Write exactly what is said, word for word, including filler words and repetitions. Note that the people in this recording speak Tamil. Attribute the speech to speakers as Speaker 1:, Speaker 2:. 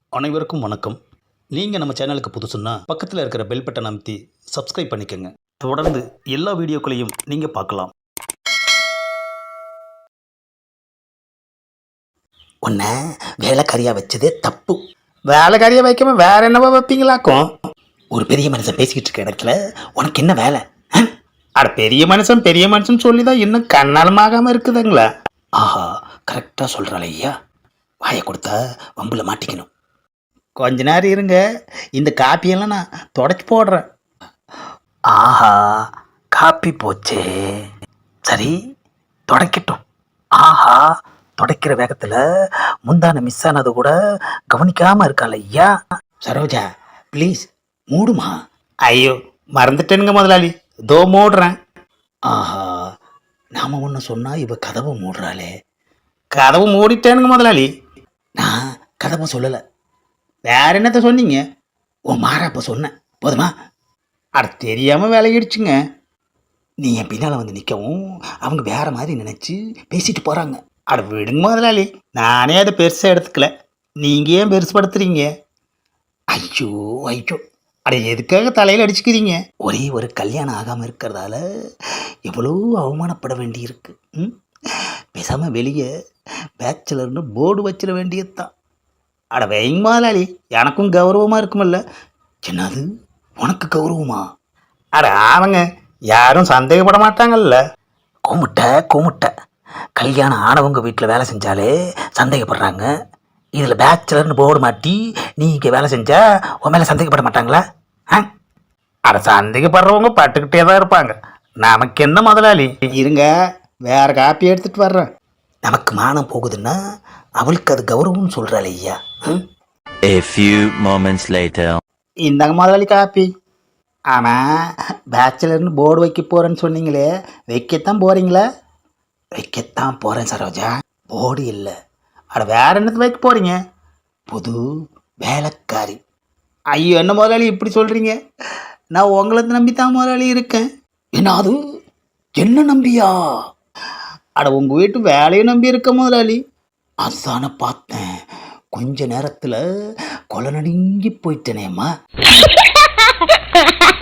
Speaker 1: அனைவருக்கும் வணக்கம். நீங்கள் நம்ம சேனலுக்கு புதுசுன்னா பக்கத்தில் இருக்கிற பெல் பட்டன் அமைத்தி சப்ஸ்கிரைப் பண்ணிக்கோங்க. தொடர்ந்து எல்லா வீடியோக்களையும் நீங்கள் பார்க்கலாம்.
Speaker 2: உன்னை வேலைக்காரியாக வச்சதே தப்பு.
Speaker 3: வேலைக்காரியை வைக்காம வேற என்னவா வைப்பீங்களாக்கும்?
Speaker 2: ஒரு பெரிய மனுஷன் பேசிக்கிட்டு இருக்க இடத்துல உனக்கு என்ன வேலை? ஆ?
Speaker 3: அட பெரிய மனுஷன் பெரிய மனுஷன் சொல்லி தான் இன்னும் கண்ணாலமாகாமல் இருக்குதுங்களா?
Speaker 2: ஆஹா, கரெக்டாக சொல்கிறாள் ஐயா. வாயை கொடுத்தா வம்பில் மாட்டிக்கணும்.
Speaker 3: கொஞ்ச நேரம் இருங்க, இந்த காப்பியெல்லாம் நான் தொடச்சி போடுறேன்.
Speaker 2: ஆஹா, காப்பி போச்சே. சரி, தொடக்கட்டும். ஆஹா, தொடக்கிற வேகத்தில் முந்தான மிஸ் ஆனது கூட கவனிக்காமல் இருக்காள் ஐயா. சரோஜா, ப்ளீஸ் மூடுமா.
Speaker 3: ஐயோ மறந்துட்டேனுங்க முதலாளி, தோ மூடுறேன்.
Speaker 2: ஆஹா, நாம் ஒன்று சொன்னால் இவ கதவை மூடுறாளே.
Speaker 3: கதவு மூடிட்டேனுங்க முதலாளி.
Speaker 2: நான் கதவை சொல்லலை,
Speaker 3: வேற என்னத்த சொன்னீங்க?
Speaker 2: உன் மாறாப்ப சொன்னேன். போதுமா?
Speaker 3: அட தெரியாமல் விலகிடுச்சுங்க.
Speaker 2: நீ என் பின்னால் வந்து நிற்கவும் அவங்க வேற மாதிரி நினச்சி பேசிட்டு போகிறாங்க.
Speaker 3: அட விடுங்க முதலாளி, நானே அதை பெருசாக எடுத்துக்கல, நீங்கள் ஏன் பெருசுப்படுத்துறீங்க?
Speaker 2: ஐயோ ஐயோ,
Speaker 3: அட எதுக்காக தலையில் அடிச்சுக்கிறீங்க?
Speaker 2: ஒரே ஒரு கல்யாணம் ஆகாமல் இருக்கிறதால எவ்வளோ அவமானப்பட வேண்டியிருக்கு. ம், பேசாமல் வெளியே பேச்சுலர்னு போர்டு வச்சிட வேண்டியது தான்.
Speaker 3: அட வைங்க முதலாளி, எனக்கும் கௌரவமாக இருக்குமில்ல.
Speaker 2: என்னது, உனக்கு கௌரவமா?
Speaker 3: அட ஆமாங்க, யாரும் சந்தேகப்பட மாட்டாங்கல்ல.
Speaker 2: கூமுட்டை கூமுட்டை, கல்யாணம் ஆனவங்க வீட்டில் வேலை செஞ்சாலே சந்தேகப்படுறாங்க. இதில் பேச்சுலர்னு போர்டு மாட்டி நீ இங்கே வேலை செஞ்சா உன் மேலே சந்தேகப்பட மாட்டாங்களா? ஆ,
Speaker 3: அட சந்தேகப்படுறவங்க பட்டுக்கிட்டே தான் இருப்பாங்க, நமக்கு என்ன முதலாளி. இருங்க, வேற காப்பி எடுத்துட்டு வர்றேன்.
Speaker 2: நமக்கு மானம் போகுதுன்னா அவளுக்கு அது கௌரவம்னு சொல்கிறாள் ஐயா. ம்,
Speaker 4: A few moments later.
Speaker 3: இந்தாங்க முதலாளி காப்பி. ஆமாம், பேச்சுலர்னு போர்டு வைக்க போகிறேன்னு சொன்னீங்களே, வைக்கத்தான் போகிறீங்களா?
Speaker 2: வைக்கத்தான் போகிறேன் சரோஜா, போர்டு இல்லை.
Speaker 3: அட வேற என்னத்துக்கு வைக்க போகிறீங்க?
Speaker 2: புது வேலைக்காரி.
Speaker 3: ஐயோ, என்ன முதலாளி இப்படி சொல்கிறீங்க? நான் உங்களை நம்பி தான் முதலாளி இருக்கேன்.
Speaker 2: என்ன அது, என்ன நம்பியா?
Speaker 3: அட உங்கள் வீட்டு வேலையை நம்பி இருக்க முதலாளி.
Speaker 2: அதான பார்த்தேன், கொஞ்ச நேரத்தில் கொலை நடுங்கி போயிட்டேனேம்மா.